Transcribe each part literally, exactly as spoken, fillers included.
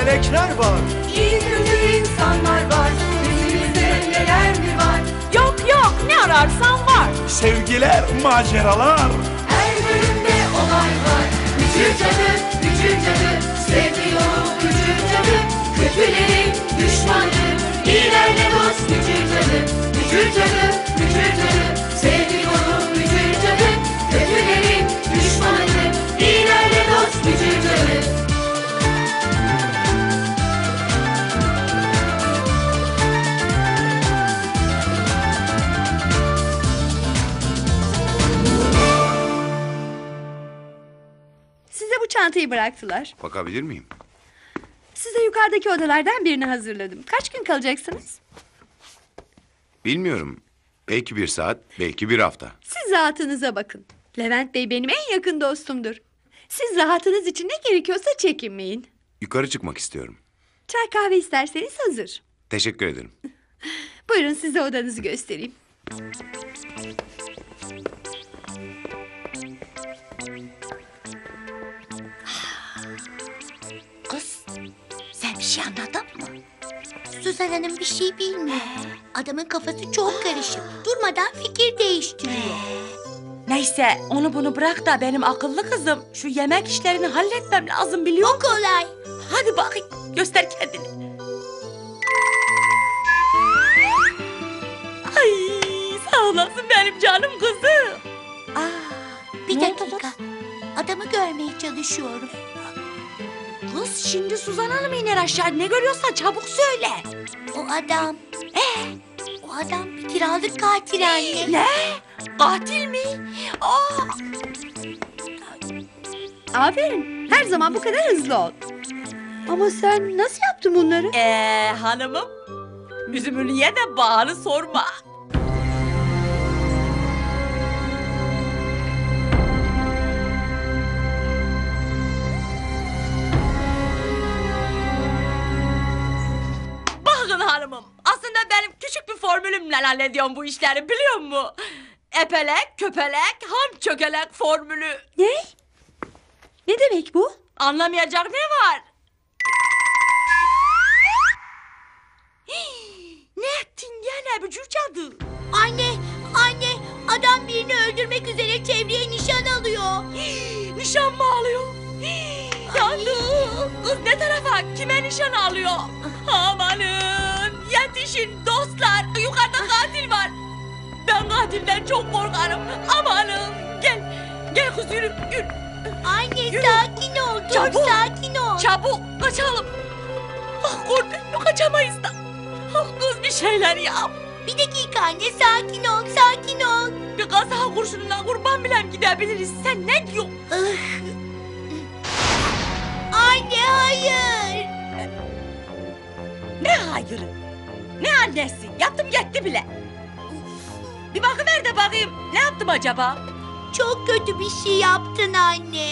melekler var. İyi kötü insanlar var. Yüzümüzde neler mi var? Yok yok, ne ararsan var. Sevgiler, maceralar. Her bölümde olay var. Gücü cadı, gücü cadı. Sevgi yolu gücü cadı. Kötülerin düşmanı. İyilerle dost gücü cadı. Gücü cadı, gücü cadı. Sevgi yolu gücü cadı. Kötülerin düşmanı. İyilerle dost gücü cadı. Size bu çantayı bıraktılar. Bakabilir miyim? Size yukarıdaki odalardan birini hazırladım. Kaç gün kalacaksınız? Bilmiyorum. Belki bir saat, belki bir hafta. Siz rahatınıza bakın. Levent Bey benim en yakın dostumdur. Siz rahatınız için ne gerekiyorsa çekinmeyin. Yukarı çıkmak istiyorum. Çay kahve isterseniz hazır. Teşekkür ederim. Buyurun size odanızı göstereyim. Kız, sen bir şey anladın mı? Suzan Hanım bir şey bilmiyor. Adamın kafası çok karışık. Durmadan fikir değiştiriyor. Neyse, onu bunu bırak da benim akıllı kızım şu yemek işlerini halletmem lazım, biliyor O musun? kolay. Hadi bakayım, göster kendini. Ay, sağ olasın benim canım kızım. Aa, bir Ne oldu dakika. Adamı görmeye çalışıyorum. Kız, şimdi Suzan Hanım iner aşağı, ne görüyorsan çabuk söyle. O adam. Ee, o adam bir kiralık katil anne. Ne? Katil mi? Aa! Aferin. Her zaman bu kadar hızlı ol. Ama sen nasıl yaptın bunları? Ee, hanımım, üzümünü ye de bağını sorma. Bakın hanımım, aslında benim küçük bir formülümle hallediyorum bu işleri, biliyor musun? Epelek, köpelek, ham çökelek formülü. Ne? Ne demek bu? Anlamayacak ne var? Hii, ne ettin gene bücür cadı? Anne, anne. Adam birini öldürmek üzere çevreye nişan alıyor. Hii, nişan mı alıyor? Hii, yandım. Kız ne tarafa? Kime nişan alıyor? Amanın. Yetişin dostlar. Yukarıda katil var. Ben katilden çok korkarım. Amanın. Gel. Gel kız yürü. Yürü. Anne Yürü. sakin ol. Dur Çabuk. sakin ol. Çabuk kaçalım. Ah korktum, kaçamayız da. Ah kız bir şeyler yap. Bir dakika anne sakin ol sakin ol. Bir kaza kurşununa kurban bile gidebiliriz. Sen ne diyorsun? Anne hayır. Ne hayırı? Ne annesi? Yaptım gitti bile. Bir bakıver de bakayım. Ne yaptım acaba? Çok kötü bir şey yaptın anne.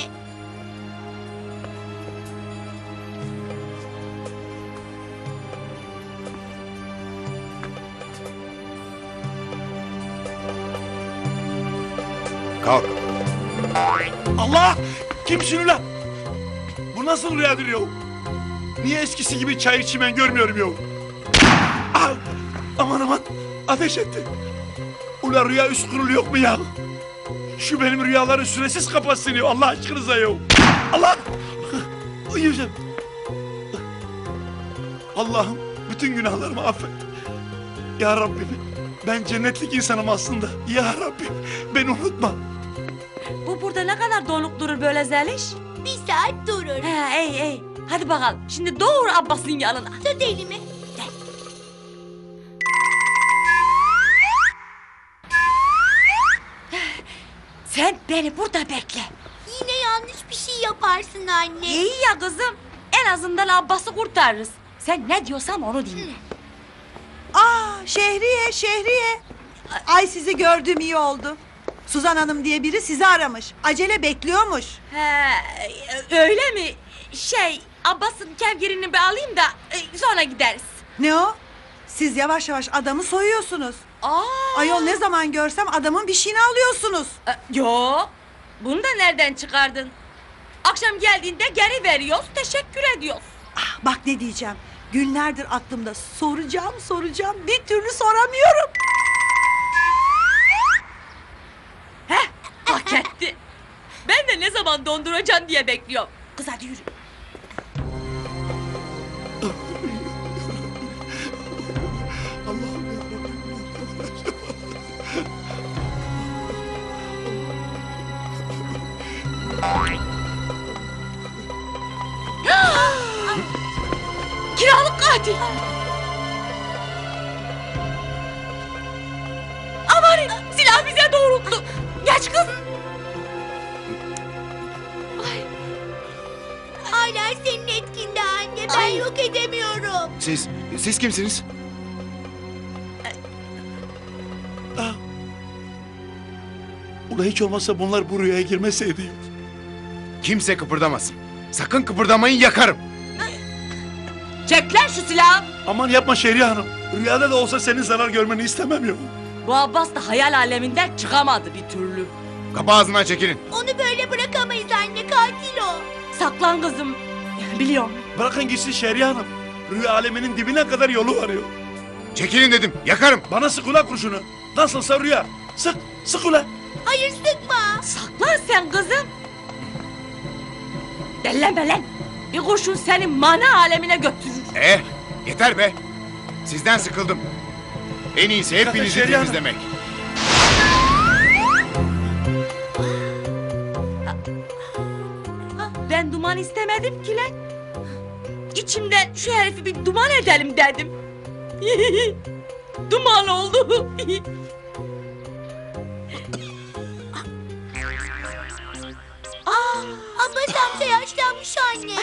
Kalk. Allah! Kimsin ulan? Bu nasıl rüyadır yahu? Niye eskisi gibi çay içimen görmüyorum yahu? Ah! Aman aman! Ateş etti. Ulan rüya üst kurulu yok mu ya? Şu benim rüyaları süresiz kapatsın ya Allah aşkınıza yahu. Allah! Uyuyacağım. Allah'ım bütün günahlarımı affet. Ya Rabbim ben cennetlik insanım aslında. Ya Rabbim beni unutma. Bu burada ne kadar donuk durur böyle Zeliş? Bir saat durur. He ey ey. Hadi bakalım. Şimdi doğru Abbas'ın yanına. Tut elimi. Sen beni burada bekle. Yine yanlış bir şey yaparsın anne. İyi ya kızım. En azından Abbas'ı kurtarırız. Sen ne diyorsam onu dinle. Aa Şehriye, Şehriye. Ay sizi gördüğüm iyi oldu. Suzan Hanım diye biri sizi aramış. Acele bekliyormuş. He, öyle mi? Şey, Abbas'ın kevgirini bir alayım da e, sonra gideriz. Ne o? Siz yavaş yavaş adamı soyuyorsunuz. Aa, Ayol ne zaman görsem adamın bir şeyini alıyorsunuz. e, yok. Bunu da nereden çıkardın? Akşam geldiğinde geri veriyoruz, teşekkür ediyoruz. Ah, bak ne diyeceğim. Günlerdir aklımda soracağım soracağım bir türlü soramıyorum. Heh, hak etti. Ben de ne zaman donduracaksın diye bekliyorum. Kız hadi yürü. Kiralık katil. Aman silah bize doğrulttu. Geç kız. Ay, Hala senin etkinde anne. Ben Ay. yok edemiyorum. Siz, siz kimsiniz? Ula hiç olmazsa bunlar bu rüyaya girmeseydi. Kimse kıpırdamasın. Sakın kıpırdamayın, yakarım. çek lan şu silahı. Aman yapma Şehriye Hanım. Rüyada da olsa senin zarar görmeni istemem yok. Bu Abbas da hayal aleminden çıkamadı bir türlü. Kapı ağzından çekilin. Onu böyle bırakamayız anne. Katil o. Saklan kızım. Biliyorum. Bırakın gitsin Şehriye Hanım. Rüya aleminin dibine kadar yolu var yok. Çekilin dedim, yakarım. Bana sık ula kurşunu. Nasılsa rüya. Sık, sık ula. Hayır sıkma. Saklan sen kızım. Dellenme lan. Bir kurşun seni mana alemine götürür. Eh, yeter be. Sizden sıkıldım. En iyisi hepinizi Şehriye Hanım. temizlemek. Ben duman istemedim ki lan. İçimden şu herifi bir duman edelim dedim. Duman oldu. Aa, Abbas amca yaşlanmış anne.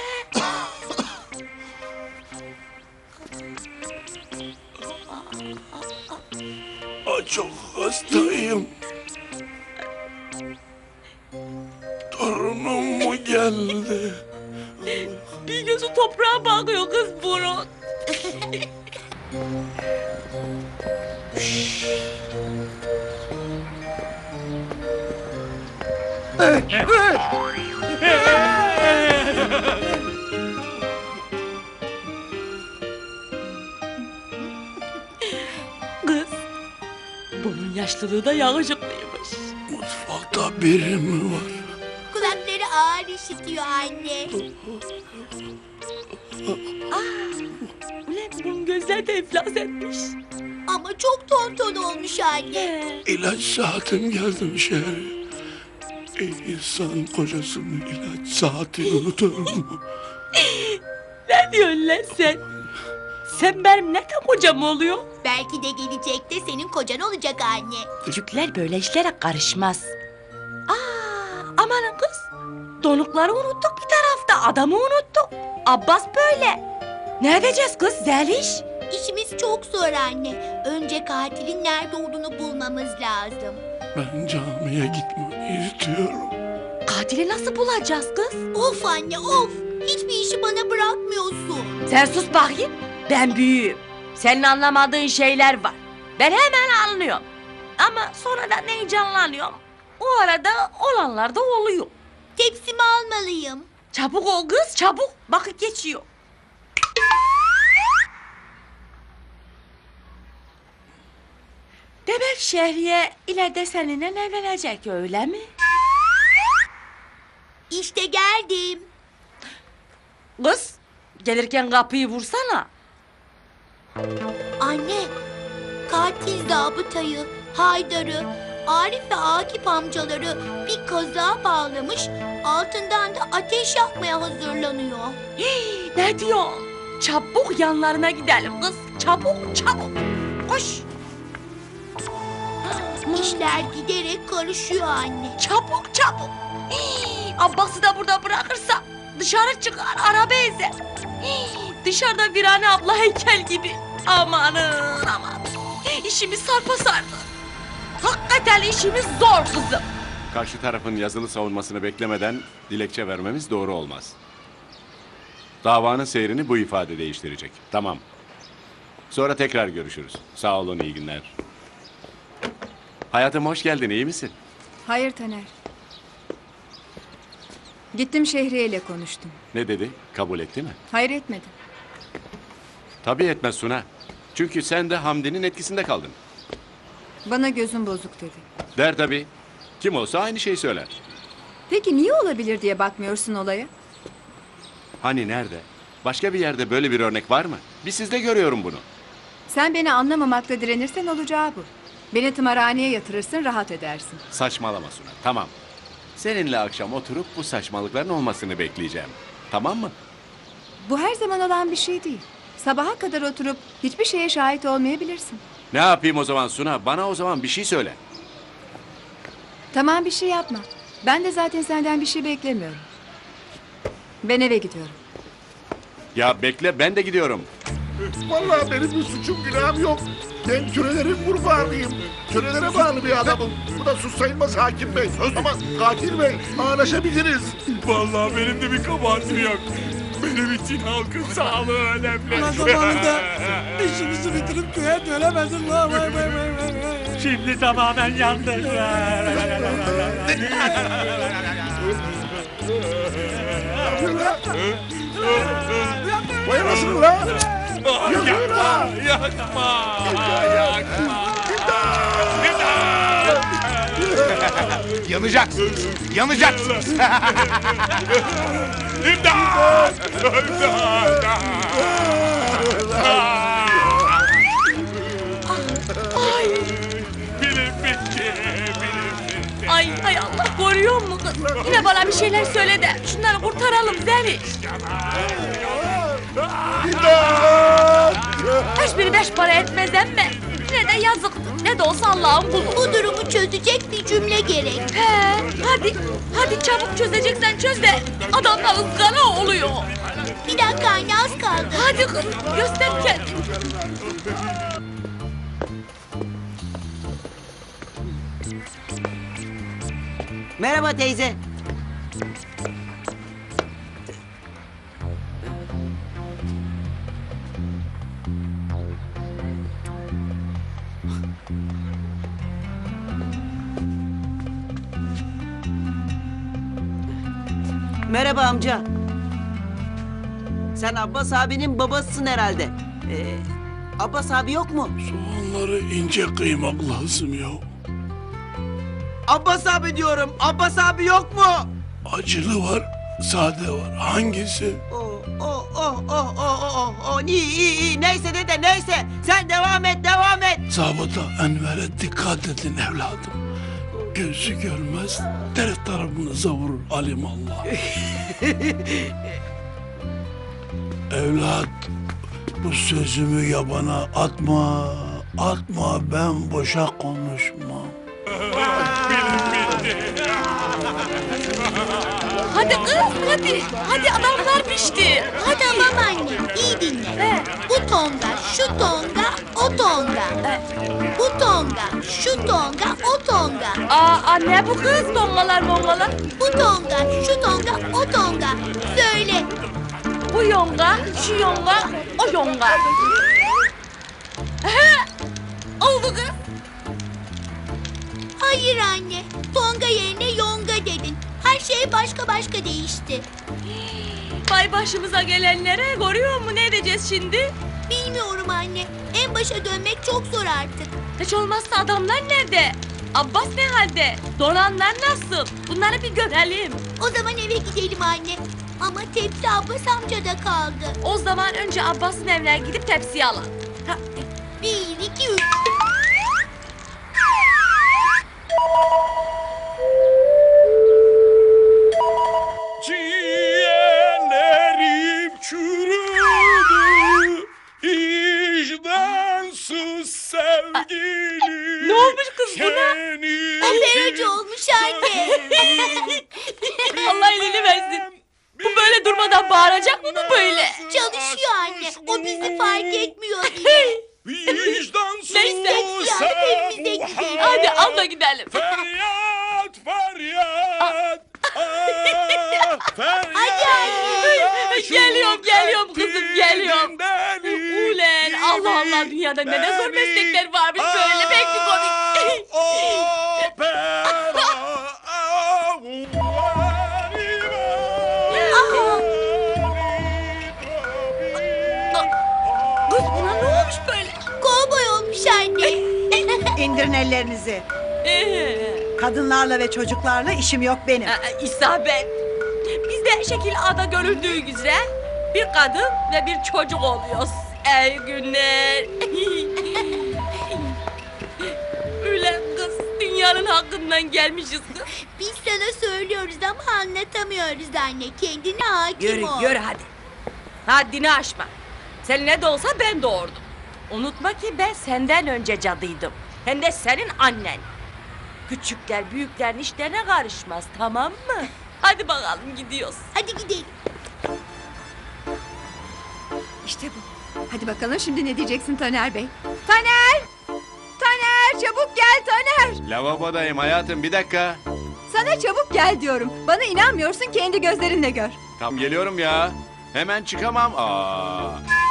Aa, çok hastayım. Torunum mu geldi? Bir gözü toprağa bakıyor kız bunun. Kız, bunun yaşlılığı da yakışıklıymış. Mutfakta biri mi var? Kulakları ağır işitiyor anne. Ulan bunun gözleri de iflas etmiş. Ama çok tonton olmuş anne. Ee, İlaç saatim geldi şehri. İnsan kocasının ilaç saatini unutur mu? ne diyorsun lan sen? Sen benim ne de kocam oluyor? Belki de gelecekte senin kocan olacak anne. Türkler böyle işlere karışmaz. Aa, amanın kız. Donukları unuttuk bir tarafta. Adamı unuttuk. Abbas böyle. Ne edeceğiz kız Zeliş? İşimiz çok zor anne. Önce katilin nerede olduğunu bulmamız lazım. Ben camiye gitmeyi istiyorum. Katili nasıl bulacağız kız? Of anne of. Hiçbir işi bana bırakmıyorsun. Sen sus bakayım. Ben büyüğüm. Senin anlamadığın şeyler var. Ben hemen anlıyorum. Ama sonradan heyecanlanıyorum. O arada olanlar da oluyor. Tepsimi almalıyım. Çabuk ol kız çabuk. Vakit geçiyor. Demek Şehriye ileride seninle evlenecek öyle mi? İşte geldim. Kız gelirken kapıyı vursana. Anne, katil zabıtayı, Haydar'ı, Arif ve Akif amcaları bir kazağa bağlamış, altından da ateş yakmaya hazırlanıyor. Hii, ne diyor? Çabuk yanlarına gidelim kız. Çabuk çabuk. Koş. İşler giderek karışıyor anne. Çabuk çabuk. Hii, Abbas'ı da burada bırakırsa dışarı çıkar araba ezer. Hii, dışarıda Virane abla heykel gibi. Amanın aman. İşimiz sarpa sardı. Hakikaten işimiz zor kızım. Karşı tarafın yazılı savunmasını beklemeden dilekçe vermemiz doğru olmaz. Davanın seyrini bu ifade değiştirecek. Tamam. Sonra tekrar görüşürüz. Sağ olun, iyi günler. Hayatım hoş geldin, iyi misin? Hayır Taner. Gittim Şehriye ile konuştum. Ne dedi? Kabul etti mi? Hayır etmedi. Tabii etmez Suna. Çünkü sen de Hamdi'nin etkisinde kaldın. Bana gözüm bozuk dedi. Der tabii. Kim olsa aynı şeyi söyler. Peki niye olabilir diye bakmıyorsun olaya? Hani nerede? Başka bir yerde böyle bir örnek var mı? Bir sizde görüyorum bunu. Sen beni anlamamakla direnirsen olacağı bu. Beni tımarhaneye yatırırsın, rahat edersin. Saçmalama Suna. Tamam. Seninle akşam oturup bu saçmalıkların olmasını bekleyeceğim. Tamam mı? Bu her zaman olan bir şey değil. Sabaha kadar oturup hiçbir şeye şahit olmayabilirsin. Ne yapayım o zaman Suna? Bana o zaman bir şey söyle. Tamam, bir şey yapma. Ben de zaten senden bir şey beklemiyorum. Ben eve gidiyorum. Ya bekle, ben de gidiyorum. Vallahi benim bir suçum günahım yok. Ben kölelerin kurbanıyım. Kölelere bağlı bir adamım. Bu da sus sayılmaz hakim bey. Ama katil bey anlaşabiliriz. Vallahi benim de bir kabahatim yok. Benim için halkın sağlığı önemli. Ulan zamanında işimizi bitirip köye dönemezsin lan. Vay vay vay vay vay. Şimdi tamamen yandık. Vay anasını la. Yakma, yakma, yakma. Yanacaksınız. Yanacaksınız. İmdat! İmdat! Ay, Bilim bitti, bilim bitti. ay, ay Allah koruyor mu kız? Yine bana bir şeyler söyle de şunları kurtaralım Zeliş. Hiçbiri beş para etmez emme. Yine de yazık. Ne de olsa Allah'ın kulu. Bu durumu çözecek bir cümle gerek. He, hadi, hadi çabuk çözeceksen çöz de adamlar ızgara oluyor. Bir dakika anne, az kaldı. Hadi kız, göster kendini. Merhaba teyze. Merhaba amca. Sen Abbas abinin babasısın herhalde. Ee, Abbas abi yok mu? Soğanları ince kıymak lazım ya. Abbas abi diyorum. Abbas abi yok mu? Acılı var, sade var. Hangisi? Oh oh oh oh oh oh oh. İyi iyi iyi. Neyse dede neyse. Sen devam et devam et. Zabıta Enver'e dikkat edin evladım. Gözü görmez, deri tarafınıza vurur alimallah. Evlat, bu sözümü yabana atma, atma, ben boşa konuşmam. Hadi kız, hadi. Hadi adamlar pişti. Hadi ama anne, iyi dinle. Bu tonga, şu tonga, o tonga. Bu tonga, şu tonga, o tonga. Aa, anne bu kız dongalar mongalar. Bu tonga, şu tonga, o tonga. Söyle. Bu yonga, şu yonga, o yonga. He, oldu kız. Hayır anne, tonga yerine yonga dedin. Her şey başka başka değişti. Vay başımıza gelenlere görüyor mu, ne edeceğiz şimdi? Bilmiyorum anne, en başa dönmek çok zor artık. Hiç olmazsa adamlar nerede? Abbas ne halde? Donanlar nasıl? Bunları bir görelim. O zaman eve gidelim anne. Ama tepsi Abbas amcada kaldı. O zaman önce Abbas'ın evine gidip tepsiyi alalım. Ha, Bir, iki, üç. Ciğerlerim çürüdü, vicdansız sevgilim. ne olmuş kız buna? Senin Operacı olmuş anne. Allah elini versin. Bu böyle durmadan bağıracak mı bu böyle? Çalışıyor anne. O bizi fark etmiyor diye. vicdansız Neyse, yani evimize gidelim. Hadi al da gidelim. Feryat, feryat. Ah, feryat. Hadi anne. Geliyorum, geliyorum kızım, geliyorum. Deli, Ulen Allah Allah, dünyada ne de zor meslekler varmış böyle, pek bir komik. Opera, ah, İndirin ellerinizi. Ee, Kadınlarla ve çocuklarla işim yok benim. e, isabet. Bizde şekil ada görüldüğü üzere bir kadın ve bir çocuk oluyoruz. Ey günler. Ulan kız, dünyanın hakkından gelmişiz kız. Biz sana söylüyoruz ama anlatamıyoruz anne. Kendine hakim Yürü ol. yürü hadi. Haddini aşma. Sen ne de olsa ben doğurdum. Unutma ki ben senden önce cadıydım. Hem de senin annen. Küçükler büyüklerin işlerine karışmaz, tamam mı? Hadi bakalım gidiyoruz. Hadi gidelim. İşte bu. Hadi bakalım şimdi ne diyeceksin Taner Bey? Taner! Taner çabuk gel Taner! Lavabodayım hayatım, bir dakika. Sana çabuk gel diyorum. Bana inanmıyorsun, kendi gözlerinle gör. Tam geliyorum ya. Hemen çıkamam. Aa.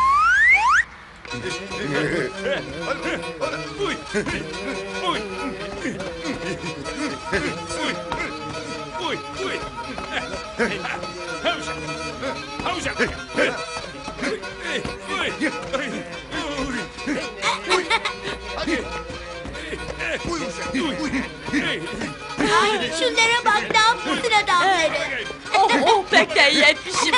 Uy. Uy. Uy. Uy. Havuşa. Havuşa. Ay şunlara bak, ne yapıyorsun adamları? Oh oh pek de yetmişim.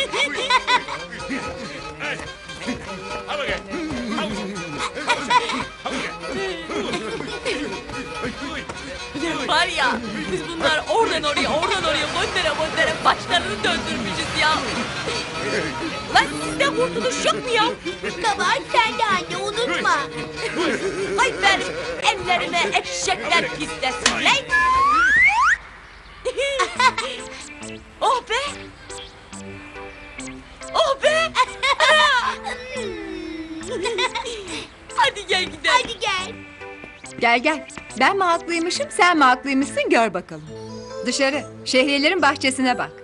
Al bakayım. Var ya, biz bunlar oradan oraya, oradan oraya, göndere göndere başlarını döndürmüşüz ya. Lan sizde kurtuluş yok mu ya? Kabahat sende anne, unutma. Ay benim ellerime eşekler pislesin lan. Oh be! Oh be! Hadi gel gidelim. Hadi gel. Gel gel. Ben mi haklıymışım, sen mi haklıymışsın gör bakalım. Dışarı, Şehriyelerin bahçesine bak.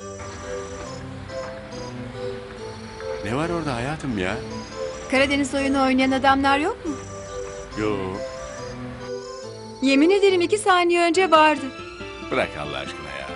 Ne var orada hayatım ya? Karadeniz oyunu oynayan adamlar yok mu? Yo. Yemin ederim iki saniye önce vardı. Bırak Allah aşkına ya.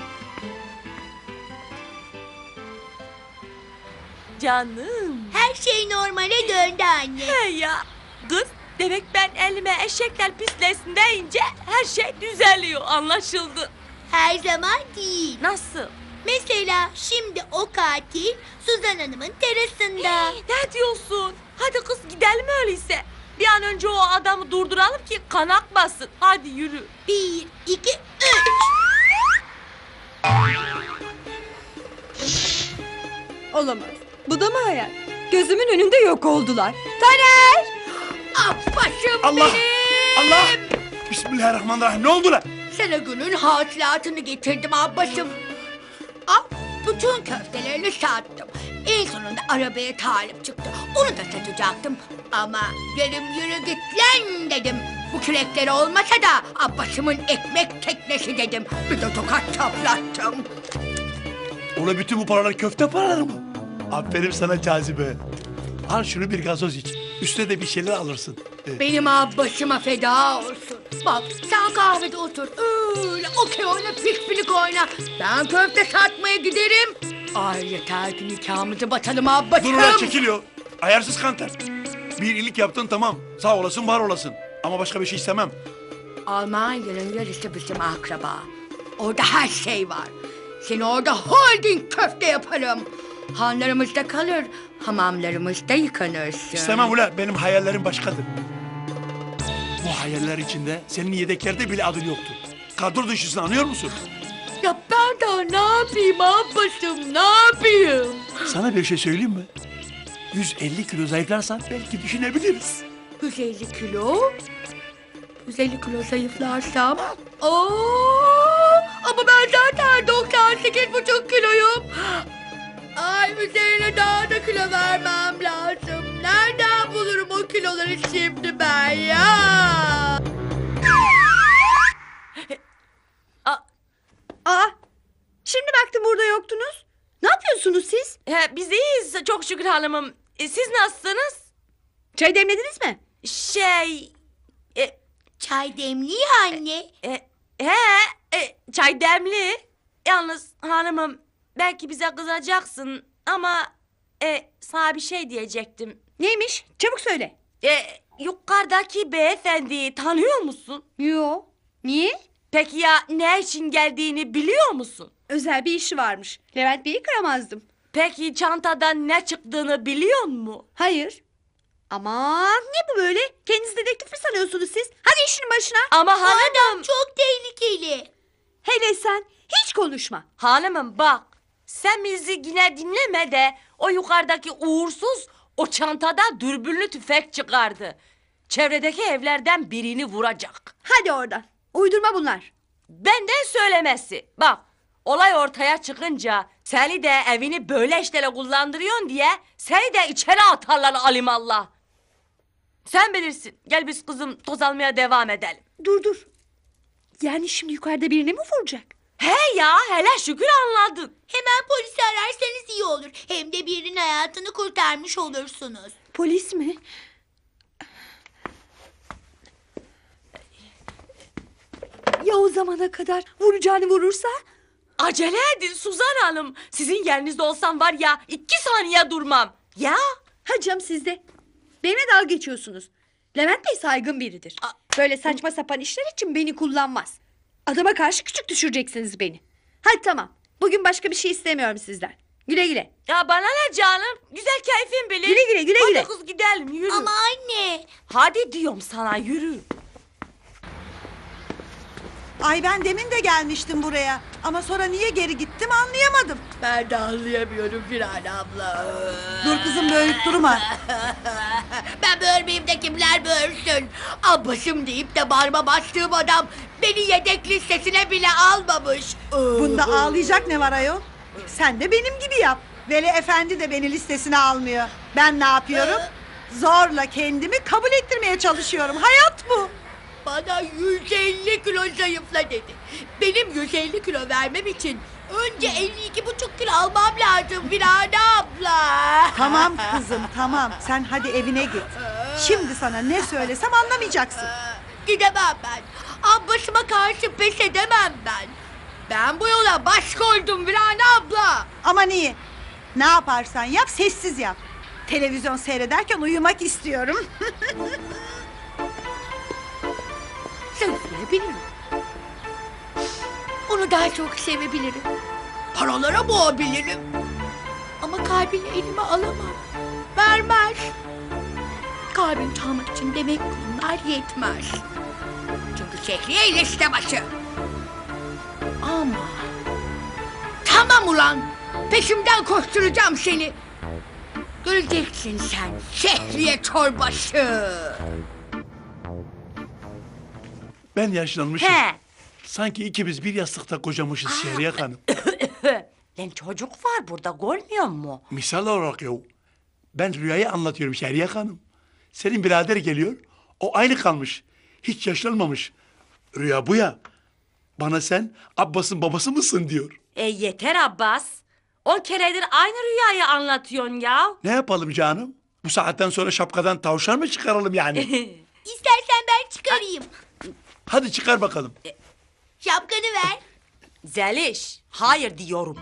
Canım. Her şey normale döndü anne. He ya. Kız, demek ben elime eşekler pislesin deyince her şey düzeliyor, anlaşıldı. Her zaman değil. Nasıl? Mesela şimdi o katil Suzan Hanım'ın terasında. Ne diyorsun? Hadi kız gidelim öyleyse. Bir an önce o adamı durduralım ki kan akmasın. Hadi yürü. Bir, iki, üç. Olamaz. Bu da mı hayal? Gözümün önünde yok oldular. Taner! Ah başım Allah! benim. Allah! Bismillahirrahmanirrahim. Ne oldu lan? Sana günün hasılatını getirdim abbasım. Al, bütün köftelerini sattım. En sonunda arabaya talip çıktı. Onu da satacaktım. Ama dedim yürü git lan dedim. Bu kürekler olmasa da abbasımın ekmek teknesi dedim. Bir de tokat çaplattım. Ola bütün bu paralar köfte paraları mı? Aferin sana Cazibe. Al şunu bir gazoz iç. Üstüne de bir şeyler alırsın. Ee, Benim abbasıma feda olsun. Bak sen kahvede otur. Öyle okey oyna, pikpilik oyna. Ben köfte satmaya giderim. Ay yeter ki nikahımızı batalım abbasım. Dur ulan çekiliyor. Ayarsız kanter. Bir iyilik yaptın tamam. Sağ olasın var olasın. Ama başka bir şey istemem. Almanya'nın yarısı bizim akraba. Orada her şey var. Seni orada holding köfte yaparım. Hanlarımızda kalır, hamamlarımızda yıkanırsın. İstemem ulan benim hayallerim başkadır. Bu hayaller içinde senin yedeklerde bile adın yoktu. Kadro dışısın anlıyor musun? Ya ben daha ne yapayım abbasım, ne yapayım? Sana bir şey söyleyeyim mi? yüz elli kilo zayıflarsan belki düşünebiliriz. yüz elli kilo? yüz elli kilo zayıflarsam? Oo, ama ben zaten doksan sekiz buçuk kiloyum. Ay üzerine daha da kilo vermem lazım. Nereden bulurum o kiloları şimdi ben ya? Aa, şimdi baktım burada yoktunuz. Ne yapıyorsunuz siz? He, biz iyiyiz çok şükür hanımım. E, siz nasılsınız? Çay demlediniz mi? Şey... E, Çay demliyor anne. e, he, e, çay demli. Yalnız hanımım belki bize kızacaksın ama... E, sana bir şey diyecektim. Neymiş? Çabuk söyle. E, yukarıdaki beyefendiyi tanıyor musun? Yo. Niye? Peki ya ne için geldiğini biliyor musun? Özel bir işi varmış. Levent Bey'i kıramazdım. Peki çantadan ne çıktığını biliyor musun? Hayır. Aman ne bu böyle? Kendinizi dedektif mi sanıyorsunuz siz? Hadi işinin başına. Ama hanımım... Çok tehlikeli. Hele sen hiç konuşma. Hanımım bak, sen bizi yine dinleme de o yukarıdaki uğursuz o çantada dürbünlü tüfek çıkardı. Çevredeki evlerden birini vuracak. Hadi oradan. Uydurma bunlar. Benden söylemesi. Bak, olay ortaya çıkınca seni de evini böyle işlere kullandırıyorsun diye seni de içeri atarlar alimallah. Sen bilirsin. Gel biz kızım toz almaya devam edelim. Dur dur. Yani şimdi yukarıda birini mi vuracak? He ya, hele şükür anladın. Hemen polisi ararsanız iyi olur. Hem de birinin hayatını kurtarmış olursunuz. Polis mi? Ya o zamana kadar vuracağını vurursa? Acele edin Suzan Hanım. Sizin yerinizde olsam var ya iki saniye durmam. Ya. Hacım siz de. Benimle dalga geçiyorsunuz. Levent Bey saygın biridir. Böyle saçma sapan işler için beni kullanmaz. Adama karşı küçük düşüreceksiniz beni. Hadi tamam. Bugün başka bir şey istemiyorum sizden. Güle güle. Ya bana ne canım? Güzel keyfin bilir. Güle güle, güle Hadi güle. kız gidelim yürü. Ama anne. Hadi diyorum sana yürü. Ay ben demin de gelmiştim buraya. Ama sonra niye geri gittim anlayamadım. Ben de anlayamıyorum Firan abla. Dur kızım böğürüp durma. Ben böğürmeyeyim de kimler böğürsün. Abbasım deyip de bağrıma bastığım adam beni yedek listesine bile almamış. Bunda ağlayacak ne var ayol? Sen de benim gibi yap. Veli Efendi de beni listesine almıyor. Ben ne yapıyorum? Zorla kendimi kabul ettirmeye çalışıyorum. Hayat bu. Bana yüz elli kilo zayıfla dedi. Benim yüz elli kilo vermem için önce elli iki buçuk kilo almam lazım Firan abla. Tamam kızım tamam. Sen hadi evine git. Şimdi sana ne söylesem anlamayacaksın. Gidemem ben. Abbasıma karşı pes edemem ben. Ben bu yola baş koydum Firan abla. Aman iyi. Ne yaparsan yap sessiz yap. Televizyon seyrederken uyumak istiyorum. Sevebilirim. Onu daha çok sevebilirim. Paralara boğabilirim. Ama kalbini elime alamam. Vermez. Kalbini çalmak için demek ki bunlar yetmez. Çünkü Şehriye liste başı. Ama... Tamam ulan. Peşimden koşturacağım seni. Göreceksin sen Şehriye çorbaşı. Ben yaşlanmışım. He. Sanki ikimiz bir yastıkta kocamışız Şehriye Hanım. Lan çocuk var burada görmüyor musun? Misal olarak yahu. Ben rüyayı anlatıyorum Şehriye Hanım. Senin birader geliyor. O aynı kalmış. Hiç yaşlanmamış. Rüya bu ya. Bana sen Abbas'ın babası mısın diyor. E yeter Abbas. On keredir aynı rüyayı anlatıyorsun ya. Ne yapalım canım? Bu saatten sonra şapkadan tavşan mı çıkaralım yani? İstersen ben çıkarayım. Hadi çıkar bakalım. Şapkanı ver. Zeliş, hayır diyorum.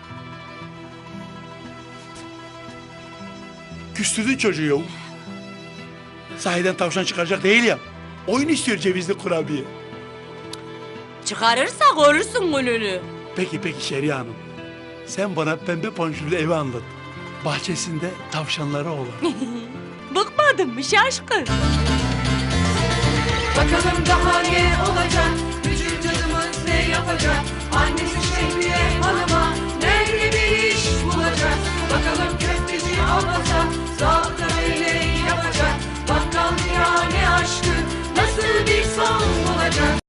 Küstürdün çocuğu yahu. Sahiden tavşan çıkaracak değil ya. Oyun istiyor cevizli kurabiye. Çıkarırsa görürsün gününü. Peki peki Şehriye Hanım. Sen bana pembe panjurlu evi anlat. Bahçesinde tavşanları olan. Bıkmadın mı şaşkın? Bakalım daha ne olacak?